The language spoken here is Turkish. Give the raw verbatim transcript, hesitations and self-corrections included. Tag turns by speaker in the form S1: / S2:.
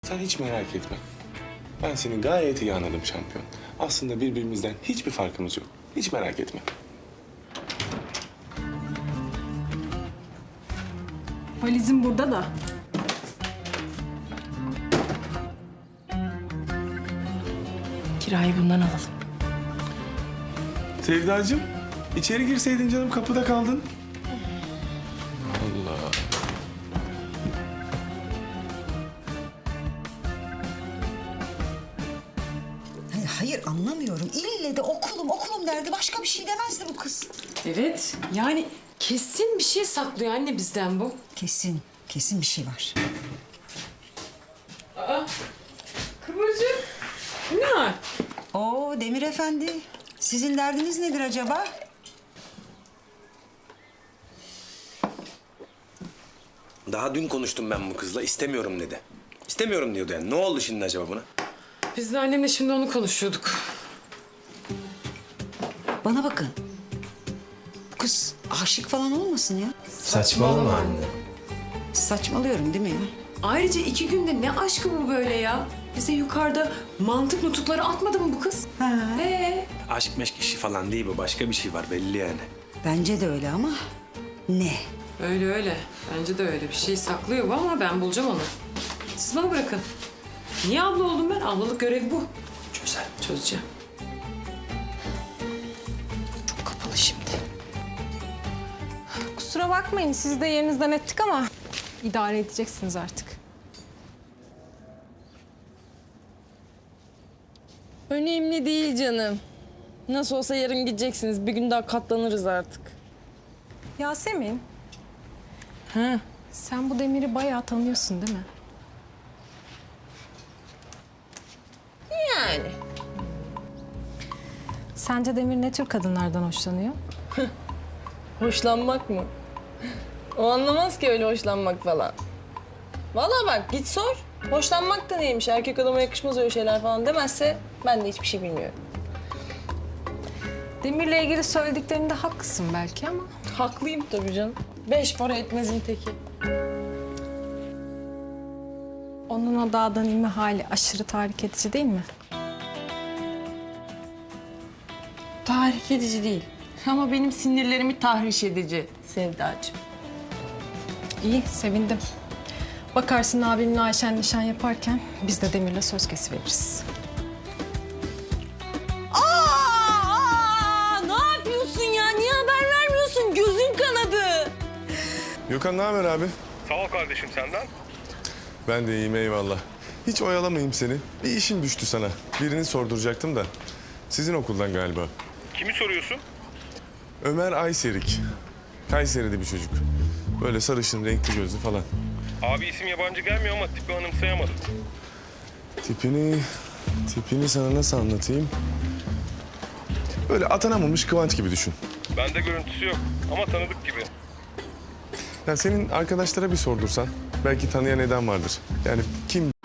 S1: Sen hiç merak etme. Ben seni gayet iyi anladım şampiyon. Aslında birbirimizden hiçbir farkımız yok. Hiç merak etme.
S2: Valizim burada da. Kirayı bundan alalım.
S1: Sevdacığım, içeri girseydin canım, kapıda kaldın. Allah.
S3: Hayır, hayır anlamıyorum. İlle de okulum okulum derdi. Başka bir şey demezdi bu kız.
S4: Evet, yani kesin bir şey saklıyor anne bizden bu.
S3: Kesin, kesin bir şey var.
S4: Kıvırcık, ne var?
S3: Oo Demir Efendi, sizin derdiniz nedir acaba?
S5: Daha dün konuştum ben bu kızla. İstemiyorum dedi. İstemiyorum diyordu yani. Ne oldu şimdi acaba buna?
S4: Biz de annemle şimdi onu konuşuyorduk.
S3: Bana bakın. Bu kız aşık falan olmasın ya.
S5: Saçmalama anne.
S3: Saçmalıyorum değil mi ya?
S4: Ayrıca iki günde ne aşkı bu böyle ya? Bize yukarıda mantık nutukları atmadı mı bu kız?
S3: Ha.
S4: Ee,
S5: Aşk meşk işi falan değil bu. Başka bir şey var belli yani.
S3: Bence de öyle ama ne?
S4: öyle öyle. Bence de öyle. Bir şey saklıyor bu ama ben bulacağım onu. Siz bana bırakın. Niye abla oldum ben? Ablalık görevi bu.
S5: Çözer.
S4: Çözeceğim. Çok kapalı şimdi.
S2: Kusura bakmayın, sizi de yerinizden ettik ama idare edeceksiniz artık.
S6: Önemli değil canım. Nasıl olsa yarın gideceksiniz. Bir gün daha katlanırız artık.
S2: Yasemin. Ha. Sen bu Demir'i bayağı tanıyorsun değil mi?
S6: Yani.
S2: Sence Demir ne tür kadınlardan hoşlanıyor?
S6: Hoşlanmak mı? O anlamaz ki öyle hoşlanmak falan. Vallahi bak git sor. Hoşlanmak da neymiş? Erkek adama yakışmaz öyle şeyler falan demezse ben de hiçbir şey bilmiyorum.
S2: Demir'le ilgili söylediklerinde haklısın belki ama...
S6: Haklıyım tabii canım. Beş para etmezin teki.
S2: Onun o dağdan inme hali aşırı tahrik edici değil mi?
S6: Tahrik edici değil. Ama benim sinirlerimi tahriş edici Sevdacığım.
S2: İyi, sevindim. Bakarsın abimle Ayşen nişan yaparken biz de Demir'le söz kesiveririz.
S6: Aa, ne yapıyorsun ya? Niye haber vermiyorsun? Gözün kanadı.
S1: Gökhan ne haber abi?
S7: Sağ ol kardeşim, senden.
S1: Ben de iyiyim eyvallah. Hiç oyalamayayım seni. Bir işim düştü sana. Birini sorduracaktım da. Sizin okuldan galiba.
S7: Kimi soruyorsun?
S1: Ömer Ayserik. Kayseri'de bir çocuk. Böyle sarışın, renkli gözlü falan.
S7: Abi isim yabancı gelmiyor ama tipi anımsayamadım.
S1: Tipini, tipini sana nasıl anlatayım? Böyle atanamamış Kıvanç gibi düşün.
S7: Bende görüntüsü yok ama tanıdık gibi.
S1: Ya senin arkadaşlara bir sordursan belki tanıyan eden vardır. Yani kim